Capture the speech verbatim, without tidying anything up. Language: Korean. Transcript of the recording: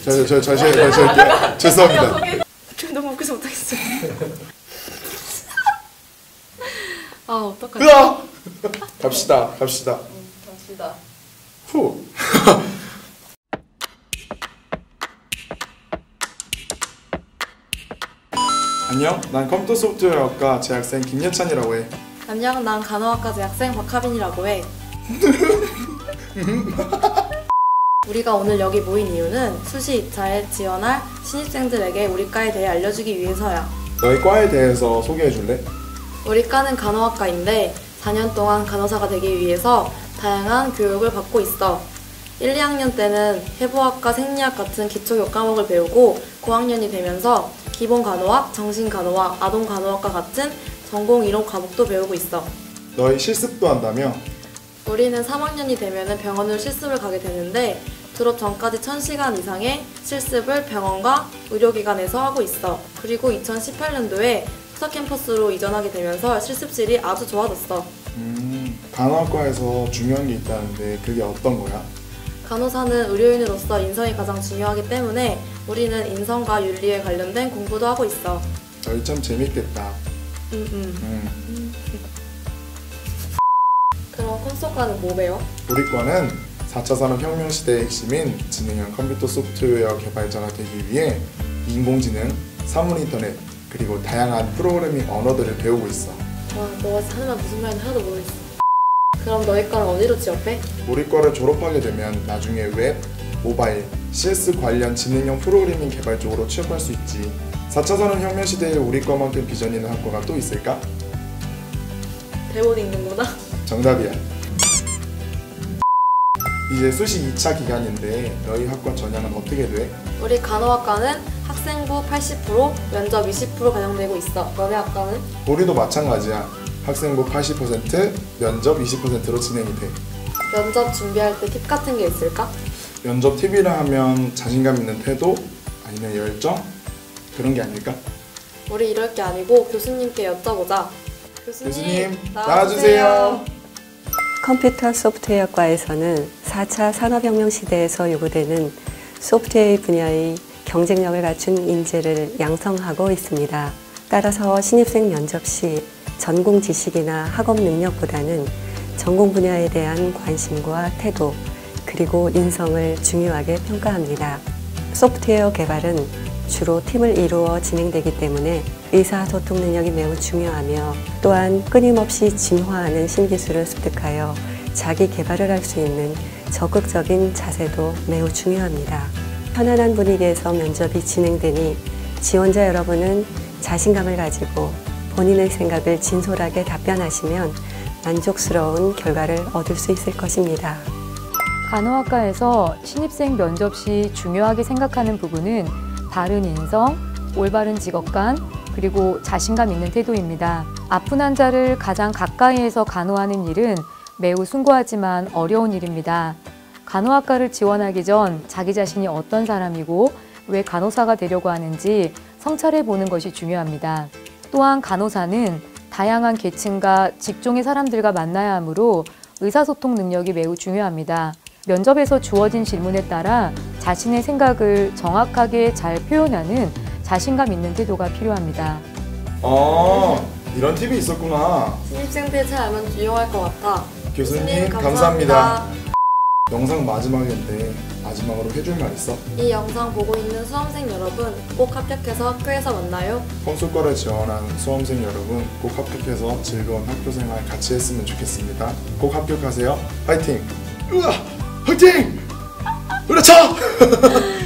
저, 저, 저, 저, 저, 저, 죄송합니다. 너무 웃겨서 못하겠어요. 아 어떡하지? 으아! 갑시다, 갑시다. 응, 갑시다. 후. 안녕, 난 컴퓨터 소프트웨어학과 재학생 김예찬이라고 해. 안녕, 난 간호학과 재학생 박하빈이라고 해. 우리가 오늘 여기 모인 이유는 수시 이 차에 지원할 신입생들에게 우리 과에 대해 알려주기 위해서야. 너희 과에 대해서 소개해 줄래? 우리 과는 간호학과인데 사 년 동안 간호사가 되기 위해서 다양한 교육을 받고 있어. 일, 이 학년 때는 해부학과, 생리학 같은 기초 과목을 배우고 고학년이 되면서 기본 간호학, 정신 간호학, 아동 간호학과 같은 전공 이론 과목도 배우고 있어. 너희 실습도 한다며? 우리는 삼 학년이 되면 병원으로 실습을 가게 되는데 졸업 전까지 천 시간 이상의 실습을 병원과 의료기관에서 하고 있어. 그리고 이천십팔 년도에 수석 캠퍼스로 이전하게 되면서 실습실이 아주 좋아졌어. 음, 간호학과에서 중요한 게 있다는데 그게 어떤 거야? 간호사는 의료인으로서 인성이 가장 중요하기 때문에 우리는 인성과 윤리에 관련된 공부도 하고 있어. 너희 참 재밌겠다. 음, 음. 음. 그럼 컴소과는 뭐 배워? 우리 과는 사 차 산업혁명 시대의 핵심인 지능형 컴퓨터 소프트웨어 개발자가 되기 위해 인공지능, 사물인터넷, 그리고 다양한 프로그래밍 언어들을 배우고 있어. 와, 너가 하는 말 무슨 말인지 하나도 모르겠어. 그럼 너희 과는 어디로 취업해? 우리 과를 졸업하게 되면 나중에 웹, 모바일, 씨에스 관련 지능형 프로그래밍 개발 쪽으로 취업할 수 있지. 사 차 산업혁명 시대에 우리 과만큼 비전 있는 학과가 또 있을까? 대본 읽는구나. 정답이야. 이제 수시 이 차 기간인데 너희 학과 전형은 어떻게 돼? 우리 간호학과는 학생부 팔십 퍼센트, 면접 이십 퍼센트 반영되고 있어. 너네 학과는? 우리도 마찬가지야. 학생부 팔십 퍼센트, 면접 이십 퍼센트로 진행이 돼. 면접 준비할 때 팁 같은 게 있을까? 면접 팁이라 하면 자신감 있는 태도? 아니면 열정? 그런 게 아닐까? 우리 이럴 게 아니고 교수님께 여쭤보자. 교수님, 교수님 나와주세요. 컴퓨터 소프트웨어과에서는 사 차 산업혁명 시대에서 요구되는 소프트웨어 분야의 경쟁력을 갖춘 인재를 양성하고 있습니다. 따라서 신입생 면접 시 전공 지식이나 학업 능력보다는 전공 분야에 대한 관심과 태도, 그리고 인성을 중요하게 평가합니다. 소프트웨어 개발은 주로 팀을 이루어 진행되기 때문에 의사소통 능력이 매우 중요하며 또한 끊임없이 진화하는 신기술을 습득하여 자기 개발을 할 수 있는 적극적인 자세도 매우 중요합니다. 편안한 분위기에서 면접이 진행되니 지원자 여러분은 자신감을 가지고 본인의 생각을 진솔하게 답변하시면 만족스러운 결과를 얻을 수 있을 것입니다. 간호학과에서 신입생 면접 시 중요하게 생각하는 부분은 바른 인성, 올바른 직업관, 그리고 자신감 있는 태도입니다. 아픈 환자를 가장 가까이에서 간호하는 일은 매우 숭고하지만 어려운 일입니다. 간호학과를 지원하기 전 자기 자신이 어떤 사람이고 왜 간호사가 되려고 하는지 성찰해 보는 것이 중요합니다. 또한 간호사는 다양한 계층과 직종의 사람들과 만나야 하므로 의사소통 능력이 매우 중요합니다. 면접에서 주어진 질문에 따라 자신의 생각을 정확하게 잘 표현하는 자신감 있는 태도가 필요합니다. 아, 이런 팁이 있었구나. 신입생들 잘 알면 유용할 것 같아. 교수님, 교수님 감사합니다. 감사합니다. 영상 마지막인데 마지막으로 해줄 말 있어? 이 영상 보고 있는 수험생 여러분, 꼭 합격해서 학교에서 만나요. 컴소과를 지원한 수험생 여러분, 꼭 합격해서 즐거운 학교생활 같이 했으면 좋겠습니다. 꼭 합격하세요. 화이팅! 으아! 화이팅! 그렇죠!